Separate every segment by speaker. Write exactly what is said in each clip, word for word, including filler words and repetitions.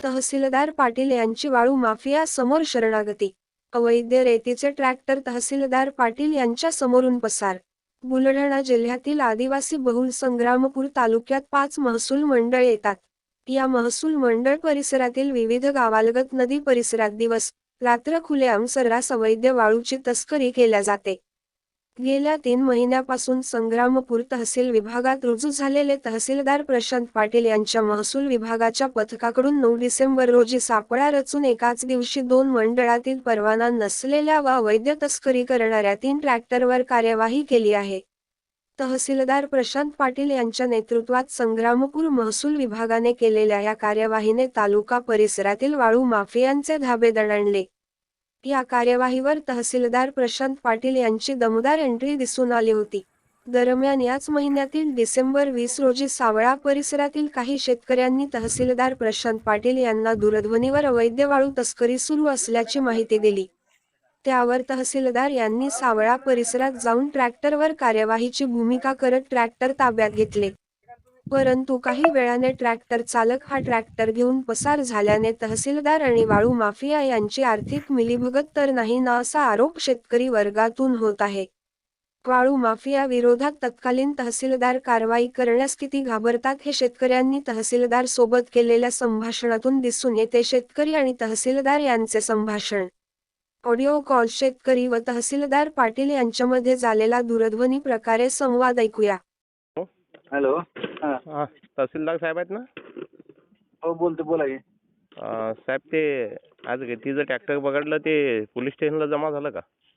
Speaker 1: तहसीलदार पाटील यांची वाळू माफिया समोर शरणागती. अवैध रेतीचे ट्रॅक्टर तहसीलदार पाटील यांच्या समोरून पसार. बुलढाणा जिल्ह्यातील आदिवासी बहुल संग्रामपूर तालुक्यात पाच महसूल मंडळ येतात. या महसूल मंडळ परिसरातील विविध गावालगत नदी परिसरात दिवस रात्र खुलेआम सर्रास अवैध वाळूची तस्करी केल्या जाते. गेल्या तीन महिन्यापासून संग्रामपूर तहसील विभागात रुजू झालेले तहसीलदार प्रशांत पाटील यांच्या महसूल विभागाच्या पथकाकडून नऊ डिसेंबर रोजी सापळा रचून एकाच दिवशी दोन मंडळातील परवाना नसलेल्या व अवैध तस्करी करणाऱ्या तीन ट्रॅक्टरवर कार्यवाही केली आहे. तहसीलदार प्रशांत पाटील यांच्या नेतृत्वात संग्रामपूर महसूल विभागाने केलेल्या या कार्यवाहीने तालुका परिसरातील वाळू माफियांचे धाबे दणाणले. या कार्यवाहीवर तहसीलदार प्रशांत पाटील यांची दमदार एंट्री दिसून आली होती. दरम्यान याच महिन्यातील डिसेंबर वीस रोजी सावळा परिसरातील काही शेतकऱ्यांनी तहसीलदार प्रशांत पाटील यांना दूरध्वनीवर अवैध वाळू तस्करी सुरू असल्याची माहिती दिली. त्यावर तहसीलदार यांनी सावळा परिसरात जाऊन ट्रॅक्टरवर कार्यवाहीची भूमिका करत ट्रॅक्टर ताब्यात घेतले. परंतु काही वेळाने ट्रॅक्टर चालक हा ट्रॅक्टर घेऊन पसार झाल्याने तहसीलदार आणि वाळू माफिया यांची आर्थिक मिलीभगत तर नाही ना असा आरोप शेतकरी वर्गातून होत आहे. वाळू माफिया विरोधात तत्कालीन तहसीलदार कारवाई करण्यास किती घाबरतात हे शेतकऱ्यांनी तहसीलदार सोबत केलेल्या संभाषणातून दिसून येते. शेतकरी आणि तहसीलदार यांचे संभाषण. Audio call. शेतकरी व तहसीलदार पाटील यांच्यामध्ये झालेला दूरध्वनी प्रकारे संवाद ऐकूया.
Speaker 2: हॅलो.
Speaker 3: हा तहसीलदार साहेब आहेत ना?
Speaker 2: हो बोलतो, बोला की.
Speaker 3: अं, साहेब ते आज तिचं ट्रॅक्टर पकडलं ते पोलीस स्टेशनला जमा झालं का?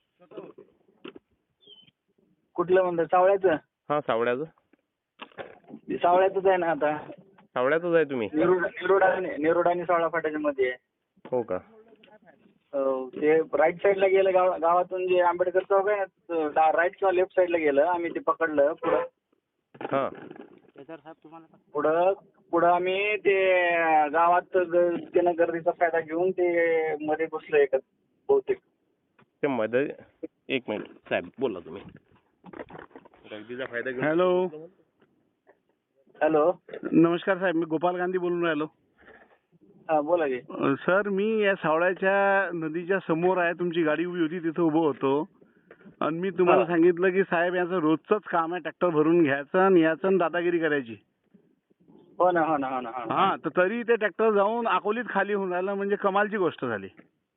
Speaker 2: कुठलं म्हणतात? सावळ्याचं?
Speaker 3: हा सावळ्याचं.
Speaker 2: ते सावळ्याचंच आहे ना आता.
Speaker 3: सावळ्याचंच आहे तुम्ही?
Speaker 2: निरोड निरोड आणि निरोड आणि सावळा फाट्याच्या मध्ये आहे.
Speaker 3: हो का?
Speaker 2: हो, ते राईट साईडला गेलं गाव गावातून जे आंबेडकर चौक आहे ना, राईट किंवा लेफ्ट साईडला गेलं. आम्ही ते पकडलं. पुढं
Speaker 3: हा
Speaker 2: पुढं पुढं आम्ही ते गावात ग- त्यानं गर्दीचा फायदा घेऊन ते मध्ये घुसलं एक बहुतेक.
Speaker 3: ते मध्ये एक मिनिट साहेब बोला तुम्ही. गर्दीचा फायदा घेऊन.
Speaker 4: हॅलो.
Speaker 2: हॅलो.
Speaker 4: नमस्कार साहेब, मी गोपाल गांधी बोलून राहिलो.
Speaker 2: हा बोला की.
Speaker 4: अ, सर मी या सावळ्याच्या नदीच्या समोर आहे, तुमची गाडी उभी होती तिथं उभं होतो आणि मी तुम्हाला
Speaker 2: हा.
Speaker 4: सांगितलं की साहेब याचं रोजचंच काम आहे, ट्रॅक्टर भरून घ्यायचं आणि याचं आणि दादागिरी करायची.
Speaker 2: हो ना हो ना हो ना हो ना.
Speaker 4: हा तर तरी ते ट्रॅक्टर जाऊन अकोलीत खाली होऊन राहिलं, म्हणजे कमालची गोष्ट झाली.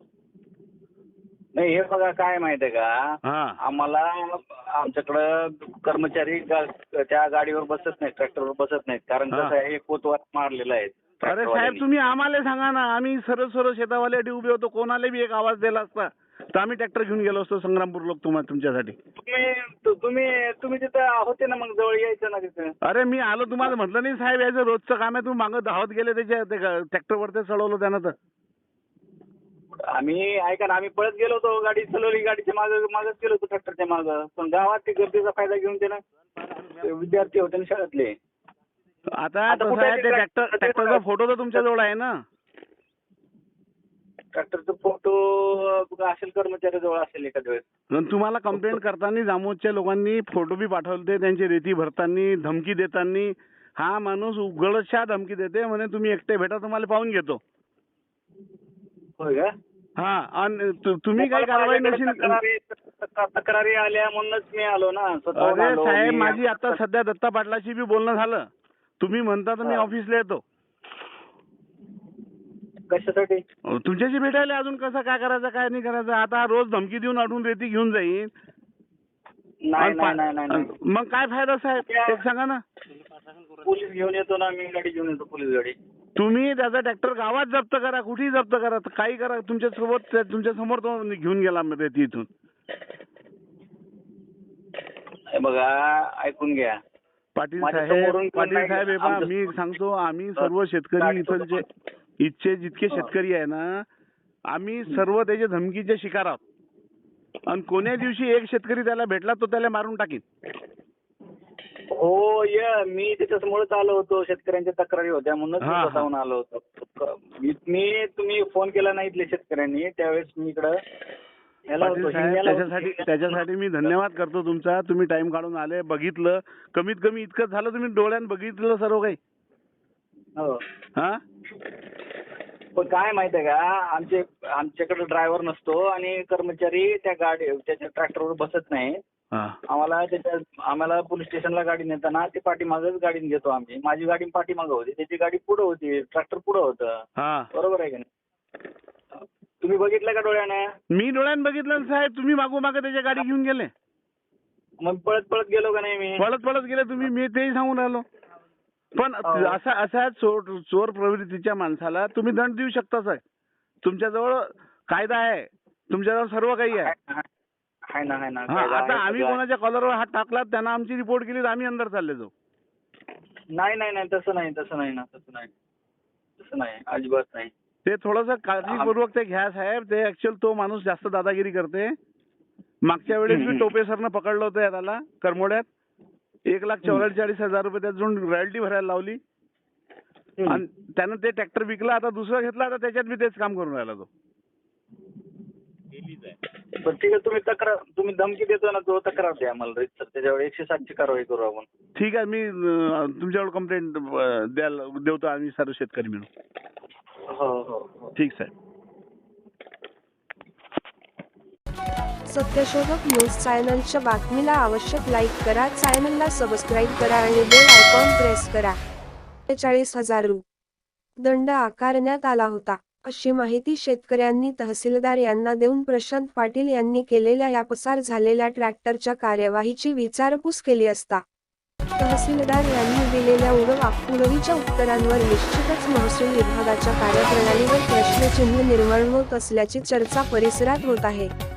Speaker 2: नाही हे बघा काय माहिती आहे का,
Speaker 4: हा
Speaker 2: आम्हाला आमच्याकडं कर्मचारी गा- त्या गाडीवर बसत नाहीत, ट्रॅक्टरवर बसत नाहीत. कारण
Speaker 4: हा.
Speaker 2: कसं आहे, हे कोतवाल मारलेलं आहे
Speaker 4: अरे साहेब
Speaker 2: ट्रॅक्टरवाल्यांनी.
Speaker 4: तुम्ही आम्हाला सांगा ना, आम्ही सरळ सरळ शेतावाल्यासाठी उभे होतो, कोणाला बी एक आवाज दिला असता तर आम्ही ट्रॅक्टर घेऊन गेलो असतो संग्रामपूर लोक तुम्हाला तुमच्यासाठी.
Speaker 2: तुम्ही तु- तुम्ही तुम्ही तिथं होते ना, मग जवळ यायचं ना तिथं.
Speaker 4: अरे मी आलो, तुम्हाला म्हटलं नाही साहेब याचं रोजचं काम आहे, तुम्ही मागं धावत गेले त्याच्या ट्रॅक्टरवर ते चढवलं त्यानं. तर
Speaker 2: आम्ही ऐका ना, आम्ही पळत गेलो होतो, गाडी चालवली, गाडीच्या मागं मागच गेलो होतो ट्रॅक्टरच्या मागं. पण गावात ते गर्दीचा फायदा घेऊन ते ना, ते विद्यार्थी होते ना शाळेतले.
Speaker 4: आता
Speaker 2: आता
Speaker 4: कसं
Speaker 2: कुठे
Speaker 4: आहे, ते
Speaker 2: ते
Speaker 4: ट्रॅक्टर
Speaker 2: ट्रॅक्टर-
Speaker 4: ट्रॅक्टरचा फोटो तर तुमच्या जवळ आहे ना?
Speaker 2: ट्रॅक्टरचा फोटो असेल, कर्मचाऱ्याजवळ असेल एखाद्या वेळेस.
Speaker 4: पण तुम्हाला कंप्लेंट करताना जामोदच्या लोकांनी फोटो बी पाठवले, त्यांची रेती भरताना धमकी देताना. हा माणूस उघडशा धमकी देते, म्हणे तुम्ही एकटे भेटा, तुम्हाला पाहून घेतो.
Speaker 2: होय का?
Speaker 4: हा आणि तु- तुम्ही काही कारवाई नसेल.
Speaker 2: तक्रारी तक्रारी आल्या म्हणूनच मी आलो ना, स्वतःहून
Speaker 4: अरे
Speaker 2: आलो
Speaker 4: साहेब
Speaker 2: मी.
Speaker 4: माझी आता सध्या दत्ता पाटलाशी बी बोलणं झालं. तुम्ही म्हणता तर मी
Speaker 2: हा.
Speaker 4: ऑफिसला येतो
Speaker 2: कशासाठी?
Speaker 4: तुमच्याशी भेटायला. अजून कसं काय करायचं काय नाही करायचं. आता रोज धमकी देऊन अडून रेती घेऊन जाईन.
Speaker 2: नाही
Speaker 4: आणि
Speaker 2: नाही नाही नाही नाही.
Speaker 4: पा- मग काय फायदा साहेब, एक सांगा ना.
Speaker 2: पोलीस घेऊन येतो ना, मी गाडी घेऊन येतो, पोलीस गाडी.
Speaker 4: तुम्ही त्याचा ट्रॅक्टर गावात जप्त करा, कुठेही जप्त करा, तर काही करा. तुमच्या सोबत तुमच्या समोर तो घेऊन गेला रेती इथून.
Speaker 2: हे बघा, ऐकून घ्या.
Speaker 4: पाटील
Speaker 2: माझ्या
Speaker 4: साहेब
Speaker 2: समोरून कोण
Speaker 4: पाटील
Speaker 2: नाही
Speaker 4: साहेब हे पहा,
Speaker 2: आमचं-
Speaker 4: मी सांगतो, आम्ही सर्व शेतकरी
Speaker 2: गाडी
Speaker 4: इथलचे इथचे जितके शेतकरी आहे ना, आम्ही सर्व त्याच्या धमकीचे शिकार आहोत. आणि कोण्या दिवशी एक शेतकरी त्याला भेटला तो त्याला मारून टाकीन.
Speaker 2: हो ये मी त्याच्यासमोरच आलो होतो, शेतकऱ्यांच्या तक्रारी होत्या म्हणूनच मी
Speaker 4: हा, हा.
Speaker 2: स्वतःहून आलो होतो. मी मी- तुम्ही फोन केला नाही इथल्या शेतकऱ्यांनी, त्यावेळेस मी इकडं याला
Speaker 4: पाटील
Speaker 2: होतो,
Speaker 4: साहेब
Speaker 2: हिंगण्याला होतो.
Speaker 4: त्याच्यासाठी त्याच्यासाठी मी धन्यवाद करतो तुमचा. तुम्ही टाइम काढून आले, बघितलं. कमीत कमी इतकं झालं, तुम्ही डोळ्यानं बघितलं सर्व काही.
Speaker 2: हो.
Speaker 4: हा
Speaker 2: पण काय माहिती आहे का, आमचे आमच्याकडे ड्रायव्हर नसतो आणि कर्मचारी त्या गाडी त्याच्या ट्रॅक्टरवर बसत नाही.
Speaker 4: हा.
Speaker 2: आम्हाला त्याच्या आम्हाला पोलीस स्टेशनला गाडी नेताना ते पाठीमागच गाडी घेतो आम्ही. माझी गाडी पाठीमागं होती, त्याची गाडी पुढं होती, ट्रॅक्टर पुढं होतं.
Speaker 4: हा.
Speaker 2: बरोबर आहे का नाही? तुम्ही बघितलं का डोळ्यानं?
Speaker 4: मी डोळ्यानं बघितलं ना साहेब, तुम्ही मागो मागे त्याच्या गाडी घेऊन गेले.
Speaker 2: मग पळत पळत गेलो का नाही मी?
Speaker 4: पळत पळत गेले तुम्ही, मी तेही सांगून राहिलो. पण
Speaker 2: हो.
Speaker 4: असा असा चोर चोर प्रवृत्तीच्या माणसाला तुम्ही दंड देऊ शकता साहेब. तुमच्याजवळ कायदा आहे, तुमच्याजवळ सर्व काही आहे.
Speaker 2: आहे ना, आहे ना.
Speaker 4: हा,
Speaker 2: कायदा
Speaker 4: आता
Speaker 2: आहे,
Speaker 4: आम्ही
Speaker 2: सगळं आहे.
Speaker 4: कोणाच्या कॉलरवर हात टाकला, त्यांना आमची रिपोर्ट केली तर आम्ही अंदर चालले जाऊ.
Speaker 2: नाही नाही नाही तसं नाही तसं नाही ना तसं नाही तसं नाही अजिबात नाही.
Speaker 4: ते थोडंसं काळजीपूर्वक ते घ्या साहेब. ते ऍक्च्युअल तो माणूस जास्त दादागिरी करते. मागच्या वेळेस मी टोपे सरनं पकडलं होतं या त्याला करमोड्यात. एक लाख चौवेचाळीस हजार रुपये त्यातून रॉयल्टी भरायला लावली आणि त्यानं ते ट्रॅक्टर विकला. आता दुसरं घेतला, आता त्याच्यात मी तेच काम करून राहिला तो.
Speaker 2: पण ठीक आहे, तुम्ही तक्रार तुम्ही धमकी देतो ना, तो तक्रार द्या मला सर, त्याच्यावर एकशे सातची कारवाई करू आपण.
Speaker 4: ठीक आहे, मी अं, तुमच्यावर कंप्लेंट द्यायला देवतो आम्ही सर्व शेतकरी मिळून.
Speaker 2: हो हो हो.
Speaker 4: ठीक साहेब.
Speaker 1: सत्यशोधक न्यूज चॅनलच्या बातमीला आवश्यक लाईक करा, चॅनलला सबस्क्राईब करा आणि बेल आयकॉन प्रेस करा. चाळीस हजार रु. दंड आकारण्यात आला होता, अशी माहिती शेतकऱ्यांनी तहसीलदार यांना देऊन प्रशांत पाटील यांनी केलेल्या या पसार झालेल्या ट्रॅक्टरच्या कार्यवाहीची विचारपूस केली असता तहसीलदार यांनी दिलेल्या उडवाउडवीच्या उत्तरांवर निश्चितच महसूल विभागाच्या कार्यप्रणालीवर प्रश्नचिन्ह निर्माण होत असल्याची चर्चा परिसरात होत आहे.